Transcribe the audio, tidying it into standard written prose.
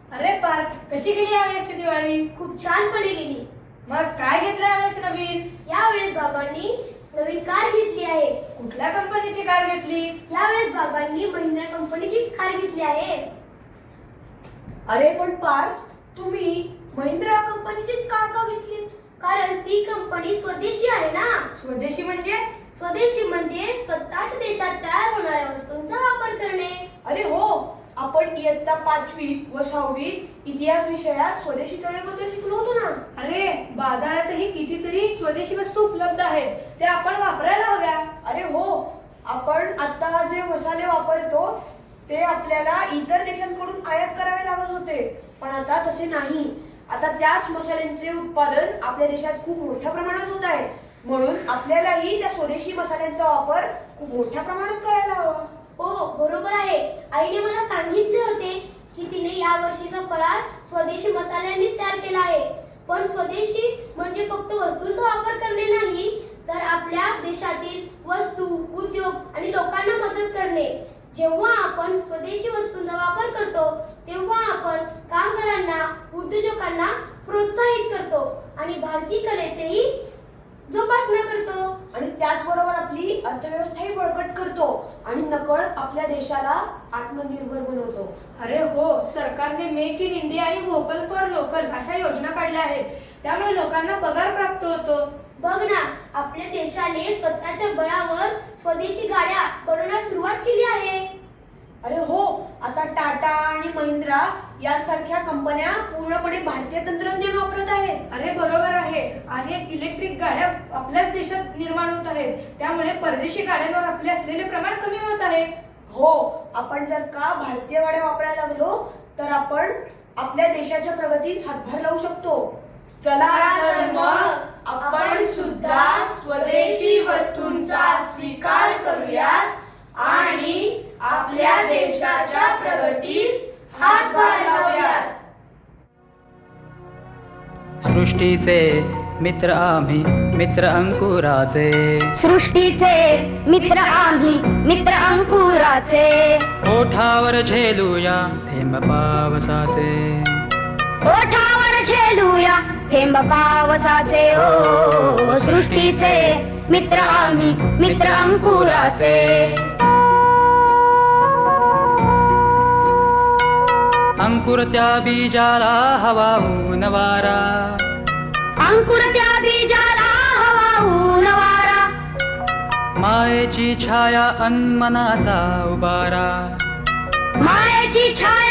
अरे पार्थ, कशी गेली यावेळेसची दिवाळी? खूप छानपणे गेली. मग काय घेतलं यावेळेस नवीन? यावेळेस बाबांनी नवीन कार घेतली आहे. कुठल्या कंपनीची कार घेतली? यावेळेस बाबांनी महिंद्रा कंपनीची कार घेतली आहे. अरे पण पार्थ, तुम्ही महिंद्रा कंपनीचीच कार का घेतली? कारण ती कंपनी स्वदेशी आहे ना. स्वदेशी म्हणजे? स्वदेशी म्हणजे स्वतःच देशात तयार होणाऱ्या वस्तूंचा वापर करणे. अरे हो, आपण इयत्ता 5वी व 6वी इतिहास विषयात स्वदेशी चळवळीबद्दल शिकलो होतो ना. अरे बाजारातही कितीतरी स्वदेशी वस्तू उपलब्ध आहेत, त्या आपण वापरायला हव्या. अरे हो, आपण आता जे मसाले वापरतो ते आपल्याला इतर देशांकडून आयात करावे लागत होते, पण आता तसे नाही. आता त्याच मसाल्यांचे उत्पादन आपल्या देशात खूप मोठ्या प्रमाणात होत आहे. म्हणून आपल्यालाही त्या स्वदेशी मसाल्यांचा वापर खूप मोठ्या प्रमाणात करायला हवा. हो, बरोबर आहे. आईने मला सांगितले होते की तिने या वर्षीचा फराळ स्वदेशी मसाल्यांनीच तयार केला आहे. पण स्वदेशी म्हणजे फक्त वस्तूंचा वापर करणे नाही, तर आपल्या देशातील वस्तू, उद्योग आणि लोकांना मदत करणे. जेव्हा आपण स्वदेशी वस्तूंचा वापर करतो तेव्हा आपण कामगारांना, उद्योजकांना प्रोत्साहित करतो आणि भारतीय कलेचेही जोपासना करतो. आणि त्याचबरोबर आपली अर्थव्यवस्थाही बळकट करतो आणि नकळत आपल्या देशाला आत्मनिर्भर बनवतो. अरे हो, सरकारने मेक इन इंडिया आणि व्होकल फॉर लोकल अशा योजना काढल्या आहेत. त्यामुळे लोकांना पगार प्राप्त होतो. बघ ना, आपल्या देशाने स्वतःच्या बळावर स्वदेशी गाड्या बनवण्यास सुरुवात केली आहे. अरे हो, आता टाटा आणि महिंद्रा यांसारख्या कंपन्या पूर्णपणे भारतीय तंत्रज्ञान वापरत आहेत. अरे बरोबर आहे. अनेक इलेक्ट्रिक गाड्या आपल्याच देशात निर्माण होत आहेत. त्यामुळे परदेशी गाड्यांवर आपले असलेले प्रमाण कमी होत आहे. हो, आपण जर का भारतीय गाड्या वापरायला लागलो तर आपण आपल्या देशाच्या प्रगतीस हातभार लावू शकतो. चला तर मग आपण सुद्धा स्वदेशी वस्तूंचा स्वीकार करूयात आणि आपल्या देशाच्या प्रगतीस हातभार लावूयात. सृष्टीचे मित्र आम्ही, मित्र अंकुराचे. सृष्टीचे मित्र आम्ही, मित्र अंकुराचे. ओठावर झेलूया थेंब पावसाचे. ओठावर झेलूया थेंब पावसाचे. ओ सृष्टीचे मित्र आम्ही, मित्र अंकुराचे. अंकुर त्या बीजाला हवा ऊन वारा. अंकुर त्या बीजाला हवा ऊन वारा. मायेची छाया अनमनाचा उबारा. मायेची छाया